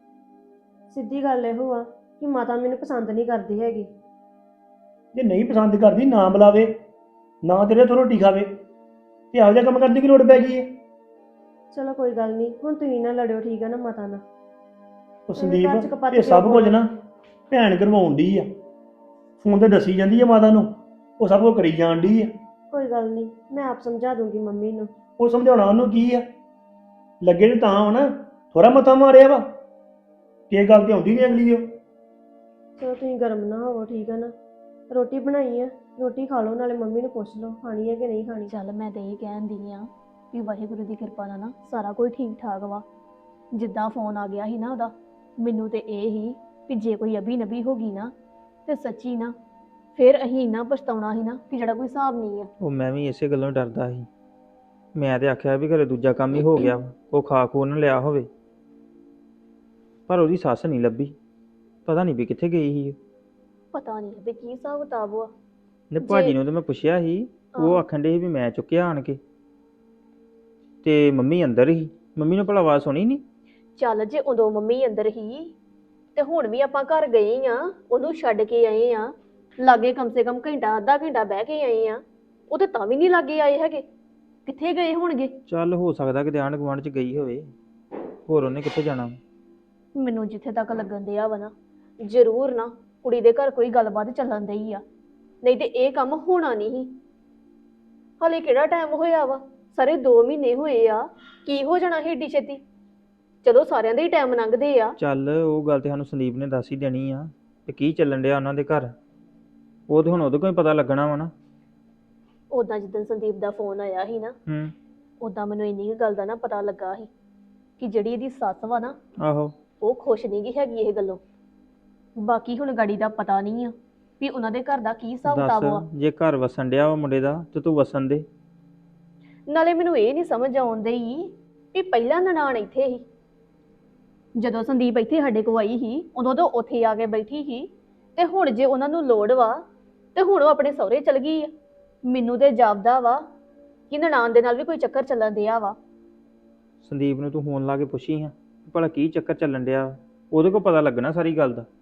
A: ਸਿੱਧੀ ਗੱਲ ਇਹੋ ਆ ਕਿ ਮਾਤਾ ਮੈਨੂੰ ਪਸੰਦ ਨਹੀਂ ਕਰਦੀ ਹੈਗੀ।
B: ਜੇ ਨਹੀਂ ਪਸੰਦ ਕਰਦੀ ਨਾ ਬੁਲਾਵੇ, ਨਾ ਤੇਰੇ ਤੋਂ ਰੋਟੀ ਖਾਵੇ, ਤੇ ਇਹੋ ਜਿਹਾ ਕੰਮ ਕਰਨ ਦੀ ਕੀ ਲੋੜ ਪੈ ਗਈ ਹੈ?
A: ਚਲੋ ਕੋਈ ਗੱਲ ਨਹੀਂ, ਹੁਣ ਤੁਸੀਂ ਨਾ ਲੜਿਓ, ਠੀਕ ਆ ਨਾ ਮਾਤਾ ਨਾਲ।
B: ਉਹ
A: ਘਰ 'ਚ
B: ਸੰਦੀਪ,
A: ਕਪੱਤ
B: ਇਹ ਸਭ
A: ਕਿਉਂ
B: ਕੁਝ ਨਾ ਭੈਣ ਕਰਵਾਉਣ ਡਈ ਆ। ਫੋਨ ਤੇ ਦੱਸੀ ਜਾਂਦੀ ਆ ਮਾਤਾ ਨੂੰ, ਉਹ ਸਭ ਕੁਝ ਕਰੀ ਜਾਣ ਡਈ ਆ।
A: ਕੋਈ ਗੱਲ ਨਹੀਂ, ਮੈਂ ਆਪ ਸਮਝਾ ਦੂੰਗੀ ਮੰਮੀ ਨੂੰ।
B: ਉਹ ਸਮਝਾਉਣਾ ਉਹਨੂੰ ਕੀ ਆ? ਲੱਗੇ ਨੇ ਤਾਂ ਹੁਣ ਥੋੜਾ ਮੱਥਾ ਮਾਰਿਆ ਵਾ, ਕੀ ਗੱਲ ਤੇ ਆਉਂਦੀ ਨਹੀਂ ਅਗਲੀ ਉਹ।
A: ਚਲੋ ਤੁਸੀਂ ਗਰਮ ਨਾ ਹੋਵੋ, ਠੀਕ ਆ ਨਾ? ਰੋਟੀ ਬਣਾਈ ਆ, ਰੋਟੀ ਖਾ ਲਓ, ਨਾਲੇ ਮੰਮੀ ਨੂੰ ਪੁੱਛ ਲਓ ਖਾਣੀ ਹੈ ਕਿ ਨਹੀਂ ਖਾਣੀ।
F: ਚੱਲ ਮੈਂ ਤੇ ਇਹ ਕਹਿੰਦੀ ਆ ਵੀ ਵਾਹਿਗੁਰੂ ਦੀ ਕਿਰਪਾ ਨਾਲ ਨਾ ਸਾਰਾ ਕੁਝ ਠੀਕ ਠਾਕ ਵਾ। ਜਿੱਦਾਂ ਫੋਨ ਆ ਗਿਆ ਸੀ ਨਾ ਉਹਦਾ, ਮੈਨੂੰ ਤੇ ਇਹ ਹੀ ਵੀ ਜੇ ਕੋਈ ਅਭੀ ਨਬੀ ਹੋ ਗਈ ਨਾ ਤੇ ਸੱਚੀ ਨਾ ਫਿਰ ਅਸੀਂ ਇੰਨਾ ਪਛਤਾਉਣਾ ਸੀ ਨਾ ਕਿ ਜਿਹੜਾ ਕੋਈ ਹਿਸਾਬ ਨਹੀਂ ਆ।
E: ਉਹ ਮੈਂ ਵੀ ਇਸੇ ਗੱਲੋਂ ਡਰਦਾ ਸੀ। ਮੈਂ ਤੇ ਆਖਿਆ ਵੀ ਘਰੇ ਦੂਜਾ ਕੰਮ ਹੀ ਹੋ ਗਿਆ ਵਾ, ਉਹ ਖਾ ਖੂ ਨਾ ਲਿਆ ਹੋਵੇ। ਪਰ ਉਹਦੀ ਸੱਸ ਨਹੀਂ ਲੱਭੀ, ਪਤਾ ਨਹੀਂ ਵੀ ਕਿੱਥੇ ਗਈ ਸੀ।
F: ਪਤਾ ਨਹੀਂ ਵੀ ਕੀ ਹਿਸਾਬ ਕਿਤਾਬ ਆ।
E: ਨੇ ਭਾਜੀ ਨੂੰ ਤੇ ਮੈਂ ਪੁੱਛਿਆ ਸੀ, ਉਹ ਆਖਣ ਦੇ ਸੀ ਵੀ ਮੈਂ ਚੁੱਕਿਆ ਆਣ ਕੇ, ਤੇ ਮੰਮੀ ਅੰਦਰ ਹੀ। ਮੰਮੀ ਨੂੰ ਭਲਾ ਆਵਾਜ਼ ਸੁਣੀ ਨਹੀਂ?
F: ਚੱਲ ਜੇ ਉਦੋਂ ਮੰਮੀ ਅੰਦਰ ਹੀ ਤੇ ਹੁਣ ਵੀ ਆਪਾਂ ਘਰ ਗਏ ਆ, ਉਹਨੂੰ ਛੱਡ ਕੇ ਆਏ ਆ, ਲਾਗੇ ਕਮ ਸੇ ਕਮ ਘੰਟਾ ਅੱਧਾ ਘੰਟਾ ਬਹਿ ਕੇ ਆਏ ਆ, ਉਹ ਤੇ ਤਾਂ ਵੀ ਨਹੀਂ ਲਾਗੇ ਆਏ ਹੈਗੇ। ਕਿੱਥੇ ਗਏ ਹੋਣਗੇ?
E: ਚੱਲ ਹੋ ਸਕਦਾ ਕਿ ਆਂਢ ਗੁਆਂਢ ਚ ਗਈ ਹੋਵੇ, ਹੋਰ ਉਹਨੇ ਕਿੱਥੇ ਜਾਣਾ?
F: ਮੈਨੂੰ ਜਿੱਥੇ ਤੱਕ ਲੱਗਣ ਦਿਆ ਵਾ ਨਾ, ਜ਼ਰੂਰ ਨਾ ਕੁੜੀ ਦੇ ਘਰ ਕੋਈ ਗੱਲਬਾਤ ਚੱਲਣ ਦਈ ਆ, ਨਹੀਂ ਤੇ ਇਹ ਕੰਮ ਹੋਣਾ ਨਹੀਂ ਸੀ। ਹਾਲੇ ਕਿਹੜਾ ਟਾਈਮ ਹੋਇਆ ਵਾ, ਸਾਰੇ ਦੋ ਮਹੀਨੇ ਹੋਏ ਆ, ਕੀ ਹੋ ਜਾਣਾ ਸੀ ਏਡੀ ਛੇਤੀ? ਚਲੋ ਸਾਰਿਆਂ ਦੇ ਹੀ ਟਾਈਮ ਲੰਘਦੇ ਆ।
E: ਚੱਲ ਉਹ ਗੱਲ ਤੇ ਸਾਨੂੰ ਸੰਦੀਪ ਨੇ ਦੱਸ ਹੀ ਦੇਣੀ ਆ ਤੇ ਕੀ ਚੱਲਣ ਡਿਆ ਉਹਨਾਂ ਦੇ ਘਰ, ਉਹ ਤੇ ਹੁਣ ਉਹਦੇ ਕੋਲ ਹੀ ਪਤਾ ਲੱਗਣਾ ਵਾ ਨਾ।
F: ਉਦਾਂ ਜਿੱਦਣ ਸੰਦੀਪ ਦਾ ਫੋਨ ਆਇਆ ਸੀ ਨਾ,
E: ਹੂੰ
F: ਉਦਾਂ ਮੈਨੂੰ ਇੰਨੀ ਕੁ ਗੱਲ ਦਾ ਨਾ ਪਤਾ ਲੱਗਾ ਸੀ ਕਿ ਜਿਹੜੀ ਇਹਦੀ ਸੱਸ ਵਾ ਨਾ,
E: ਆਹੋ
F: ਉਹ ਖੁਸ਼ ਨਹੀਂ ਗੀ ਹੈਗੀ ਇਹ ਗੱਲੋਂ। ਬਾਕੀ ਹੁਣ ਗਾੜੀ ਦਾ ਪਤਾ ਨਹੀਂ ਆ ਵੀ ਉਹਨਾਂ ਦੇ ਘਰ ਦਾ ਕੀ ਹਿਸਾਬ ਕਿਤਾਬ ਆ।
E: ਦੱਸ ਜੇ ਘਰ ਵਸਣ ਡਿਆ ਵਾ ਮੁੰਡੇ ਦਾ ਤੇ ਤੂੰ ਵਸਣ ਦੇ।
F: ਨਾਲੇ ਮੈਨੂੰ ਇਹ ਨਹੀਂ ਸਮਝ ਆਉਂਦੀ ਵੀ ਪਹਿਲਾਂ ਨਨਾਣ ਇੱਥੇ ਸੀ, ਜਦੋਂ ਸੰਦੀਪ ਇੱਥੇ ਸਾਡੇ ਕੋਲ ਆਈ ਸੀ ਉਦੋਂ ਤਾਂ ਉੱਥੇ ਆ ਕੇ ਬੈਠੀ ਸੀ, ਤੇ ਹੁਣ ਜੇ ਉਹਨਾਂ ਨੂੰ ਲੋੜ ਵਾ ਤੇ ਹੁਣ ਉਹ ਆਪਣੇ ਸਹੁਰੇ ਚਲ ਗਈ ਆ। ਮੈਨੂੰ ਤੇ ਜਾਪਦਾ ਵਾ ਕਿ ਨਨਾਣ ਦੇ ਨਾਲ ਵੀ ਕੋਈ ਚੱਕਰ ਚੱਲਣ ਡਿਆ ਵਾ।
E: ਸੰਦੀਪ ਨੂੰ ਤੂੰ ਫੋਨ ਲਾ ਕੇ ਪੁੱਛੀ ਹਾਂ ਭਲਾ ਕੀ ਚੱਕਰ ਚੱਲਣ ਡਿਆ ਵਾ? ਉਹਦੇ ਕੋਲ ਪਤਾ ਲੱਗਣਾ ਸਾਰੀ ਗੱਲ ਦਾ।